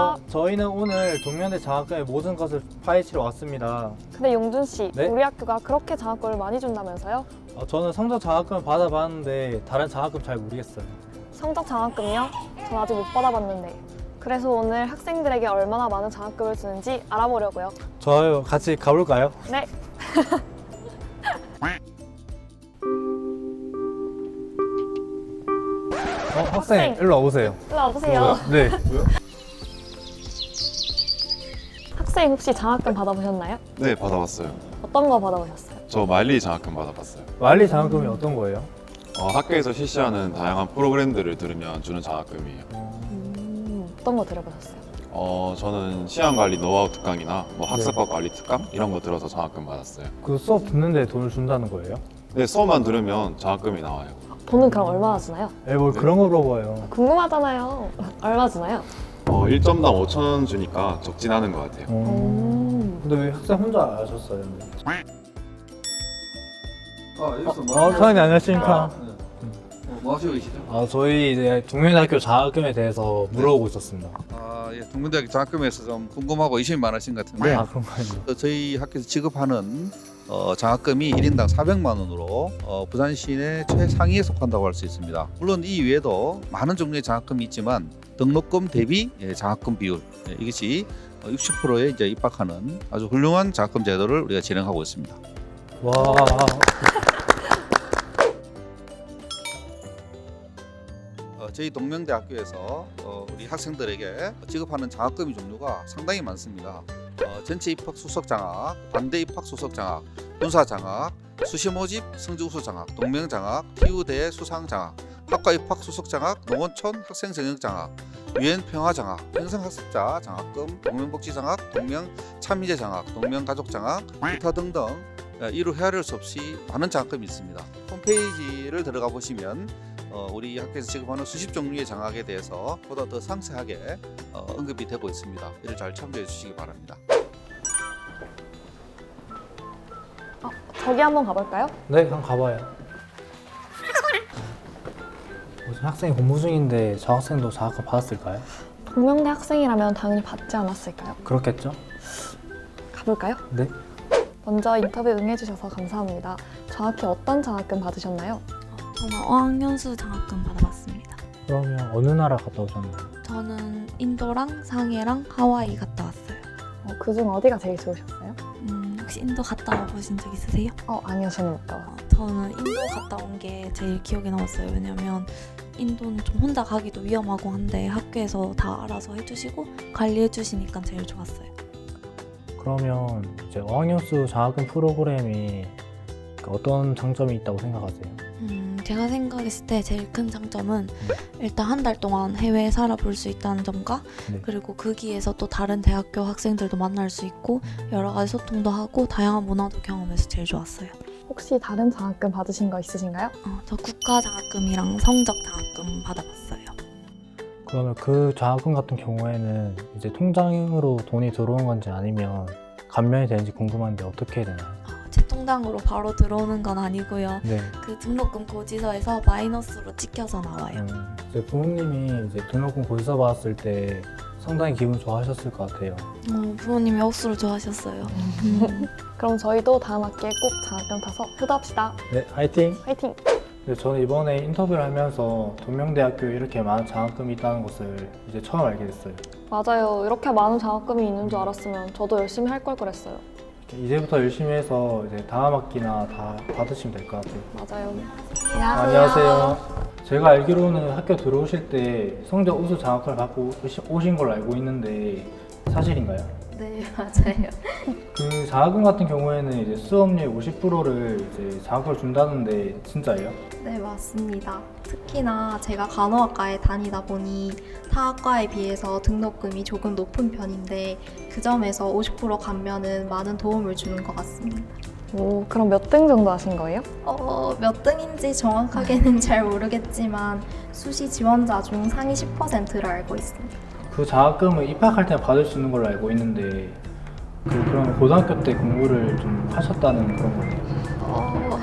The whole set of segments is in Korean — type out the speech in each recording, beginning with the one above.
저희는 오늘 동명대 장학금의 모든 것을 파헤치러 왔습니다. 근데 용준 씨, 네? 우리 학교가 그렇게 장학금을 많이 준다면서요? 저는 성적 장학금 받아봤는데 다른 장학금 잘 모르겠어요. 성적 장학금이요? 전 아직 못 받아봤는데. 그래서 오늘 학생들에게 얼마나 많은 장학금을 주는지 알아보려고요. 좋아요. 같이 가볼까요? 네. 학생, 일로 와보세요. 일로 와보세요. 네. 학생 혹시 장학금 받아보셨나요? 네, 받아봤어요. 어떤 거 받아보셨어요? 저 마일리 장학금 받아봤어요. 말리 장학금이 어떤 거예요? 학교에서 실시하는 다양한 프로그램들을 들으면 주는 장학금이에요. 어떤 거 들어보셨어요? 저는 시간관리 노하우 특강이나 학습법 관리 특강 이런 거 들어서 장학금 받았어요. 그 수업 듣는데 돈을 준다는 거예요? 네, 수업만 들으면 장학금이 나와요. 돈은 그럼 얼마나 주나요? 뭘 네. 그런 거 물어봐요. 궁금하잖아요. 얼마 주나요? 1점당 5,000원 주니까 적진 않은 것 같아요. 근데 왜 학생 혼자 하셨어요? 여기서 사장님 안녕하십니까? 뭐 하시고 계시죠? 저희 이제 동명대학교 장학금에 대해서 물어보고 있었습니다. 예, 동문대학교 장학금에서 좀 궁금하고 의심이 많으신 것 같은데 그런가요? 저희 학교에서 지급하는 장학금이 1인당 400만 원으로 부산 시내 최상위에 속한다고 할 수 있습니다. 물론 이 외에도 많은 종류의 장학금이 있지만 등록금 대비 장학금 비율 이것이 60%에 이제 입학하는 아주 훌륭한 장학금 제도를 우리가 진행하고 있습니다. 와. 저희 동명대학교에서 우리 학생들에게 지급하는 장학금의 종류가 상당히 많습니다. 전체 입학 수석 장학, 반대 입학 수석 장학, 군사 장학, 수시 모집 성적 우수 장학, 동명 장학, TU대 수상 장학, 학과 입학 수석 장학, 농어촌 학생 정역 장학, 유엔 평화 장학, 평생 학습자 장학금, 동명복지 장학, 동명 참여제 장학, 동명 가족 장학, 기타 등등 이루 헤아릴 수 없이 많은 장학금이 있습니다. 홈페이지를 들어가 보시면 우리 학교에서 지급하는 수십 종류의 장학에 대해서 보다 더 상세하게 언급이 되고 있습니다. 이를 잘 참조해 주시기 바랍니다. 저기 한번 가볼까요? 네, 한번 가봐요. 무슨 학생이 공부 중인데 저 학생도 장학금 받았을까요? 동명대 학생이라면 당연히 받지 않았을까요? 그렇겠죠? 가볼까요? 네. 먼저 인터뷰 응해주셔서 감사합니다. 정확히 어떤 장학금 받으셨나요? 저는 어학연수 장학금 받아봤습니다. 그러면 어느 나라 갔다 오셨나요? 저는 인도랑 상해랑 하와이 갔다 왔어요. 그중 어디가 제일 좋으셨어요? 혹시 인도 갔다 와보신 적 있으세요? 아니요, 저는 못 가봤어요. 저는 인도 갔다 온 게 제일 기억에 남았어요. 왜냐면 인도는 좀 혼자 가기도 위험하고 한데 학교에서 다 알아서 해주시고 관리해주시니까 제일 좋았어요. 그러면 이제 어학연수 장학금 프로그램이 어떤 장점이 있다고 생각하세요? 제가 생각했을 때 제일 큰 장점은 일단 한 달 동안 해외에 살아볼 수 있다는 점과 네. 그리고 거기에서 또 다른 대학교 학생들도 만날 수 있고 여러 가지 소통도 하고 다양한 문화도 경험해서 제일 좋았어요. 혹시 다른 장학금 받으신 거 있으신가요? 저 국가 장학금이랑 성적 장학금 받아봤어요. 그러면 그 장학금 같은 경우에는 이제 통장으로 돈이 들어오는 건지 아니면 감면이 되는지 궁금한데 어떻게 해야 되나요? 제 통장으로 바로 들어오는 건 아니고요. 네. 그 등록금 고지서에서 마이너스로 찍혀서 나와요. 이제 부모님이 이제 등록금 고지서 받았을 때 상당히 기분 좋아하셨을 것 같아요. 부모님이 억수로 좋아하셨어요. 그럼 저희도 다음 학기에 꼭 장학금 타서 효도합시다. 네, 화이팅! 화이팅! 저는 이번에 인터뷰를 하면서 동명대학교에 이렇게 많은 장학금이 있다는 것을 이제 처음 알게 됐어요. 맞아요. 이렇게 많은 장학금이 있는 줄 알았으면 저도 열심히 할 걸 그랬어요. 이제부터 열심히 해서 이제 다음 학기나 다 받으시면 될 것 같아요. 맞아요. 안녕하세요. 제가 알기로는 학교 들어오실 때 성적 우수 장학금을 받고 오신 걸로 알고 있는데 사실인가요? 네, 맞아요. 그 장학금 같은 경우에는 이제 수업료의 50%를 이제 장학금을 준다는데 진짜예요? 네, 맞습니다. 특히나 제가 간호학과에 다니다 보니 타 학과에 비해서 등록금이 조금 높은 편인데 그 점에서 50% 감면은 많은 도움을 주는 것 같습니다. 그럼 몇 등 정도 하신 거예요? 몇 등인지 정확하게는 잘 모르겠지만 수시 지원자 중 상위 10%를 알고 있습니다. 그 장학금을 입학할 때 받을 수 있는 걸로 알고 있는데 그럼 고등학교 때 공부를 좀 하셨다는 그런 거네요?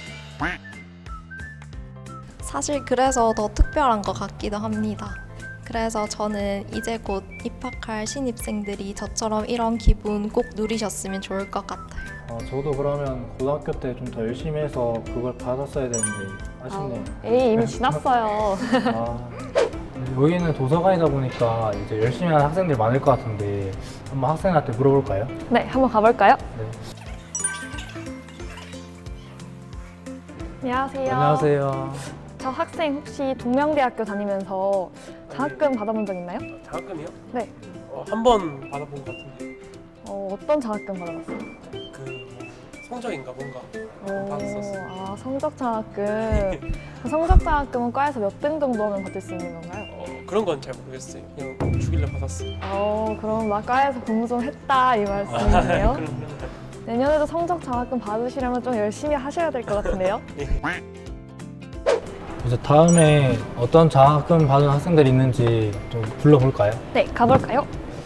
사실 그래서 더 특별한 것 같기도 합니다. 그래서 저는 이제 곧 입학할 신입생들이 저처럼 이런 기분 꼭 누리셨으면 좋을 것 같아요. 저도 그러면 고등학교 때 좀 더 열심히 해서 그걸 받았어야 되는데 아쉽네요. 에이, 이미 지났어요. 아, 여기는 도서관이다 보니까 이제 열심히 하는 학생들이 많을 것 같은데 한번 학생한테 물어볼까요? 네, 한번 가볼까요? 네. 안녕하세요. 안녕하세요. 저 학생 혹시 동명대학교 다니면서 장학금 받아본 적 있나요? 장학금이요? 네. 한 번 받아본 것 같은데 어떤 장학금 받아봤어요? 성적인가 뭔가 받았었어요. 아, 성적 장학금. 성적 장학금은 과에서 몇 등 정도 하면 받을 수 있는 건가요? 그런 건 잘 모르겠어요. 그냥 주길래 받았어요. 그럼 나 과에서 공부 좀 했다 이 말씀이네요. 그럼요. 내년에도 성적 장학금 받으시려면 좀 열심히 하셔야 될 것 같은데요? 이제 다음에 어떤 장학금 받은 학생들이 있는지 좀 불러볼까요? 네, 가볼까요?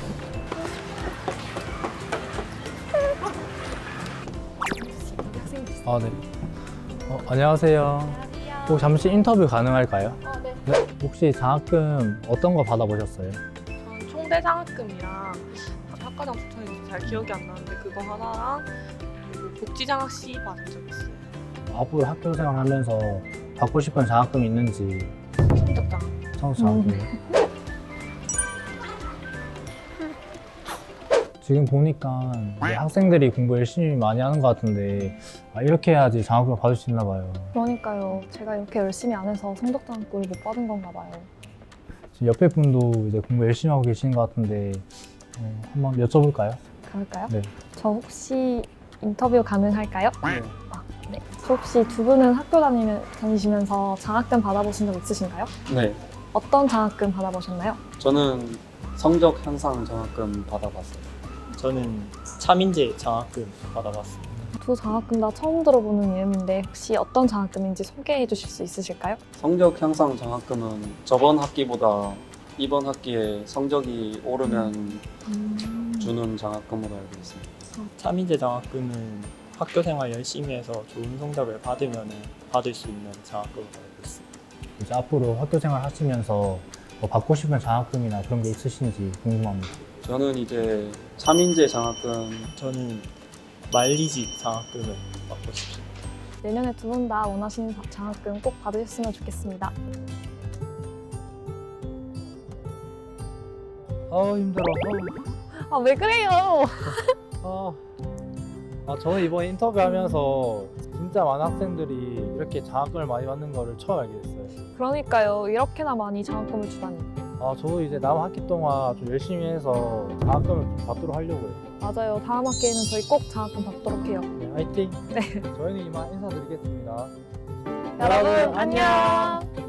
아, 네. 안녕하세요. 혹시 잠시 인터뷰 가능할까요? 네. 혹시 장학금 어떤 거 받아보셨어요? 저는 총대 장학금이랑 학과장 추천인지 잘 기억이 안 나는데 그거 하나랑 그리고 복지장학 C 받은 적 있어요. 앞으로 학교 생활하면서 받고 싶은 장학금이 있는지 성적장. 성적 장학금. 지금 보니까 이제 학생들이 공부 열심히 많이 하는 것 같은데 이렇게 해야지 장학금을 받을 수 있나 봐요. 그러니까요. 제가 이렇게 열심히 안 해서 성적 장학금을 못 받은 건가 봐요. 지금 옆에 분도 이제 공부 열심히 하고 계시는 것 같은데 한번 여쭤볼까요? 가볼까요? 네. 저 혹시 인터뷰 가능할까요? 네. 네. 저 혹시 두 분은 학교 다니시면서 장학금 받아보신 적 있으신가요? 네, 어떤 장학금 받아보셨나요? 저는 성적 향상 장학금 받아봤어요. 저는 차민재 장학금 받아봤습니다. 두 장학금 다 처음 들어보는 이름인데 혹시 어떤 장학금인지 소개해 주실 수 있으실까요? 성적 향상 장학금은 저번 학기보다 이번 학기에 성적이 오르면 주는 장학금으로 알고 있습니다. 차민재 장학금은 학교 생활 열심히 해서 좋은 성적을 받으면 받을 수 있는 장학금으로 알고 있습니다. 이제 앞으로 학교 생활 하시면서 뭐 받고 싶은 장학금이나 그런 게 있으신지 궁금합니다. 저는 이제 차민재 장학금, 저는 말리지 장학금을 받고 싶습니다. 내년에 두 분 다 원하시는 장학금 꼭 받으셨으면 좋겠습니다. 힘들어. 아, 왜 그래요? 저는 이번 인터뷰하면서 진짜 많은 학생들이 이렇게 장학금을 많이 받는 거를 처음 알게 됐어요. 그러니까요. 이렇게나 많이 장학금을 주다니. 저도 이제 남은 학기 동안 좀 열심히 해서 장학금을 좀 받도록 하려고요. 맞아요. 다음 학기에는 저희 꼭 장학금 받도록 해요. 네, 화이팅! 네. 저희는 이만 인사드리겠습니다. 여러분, 안녕!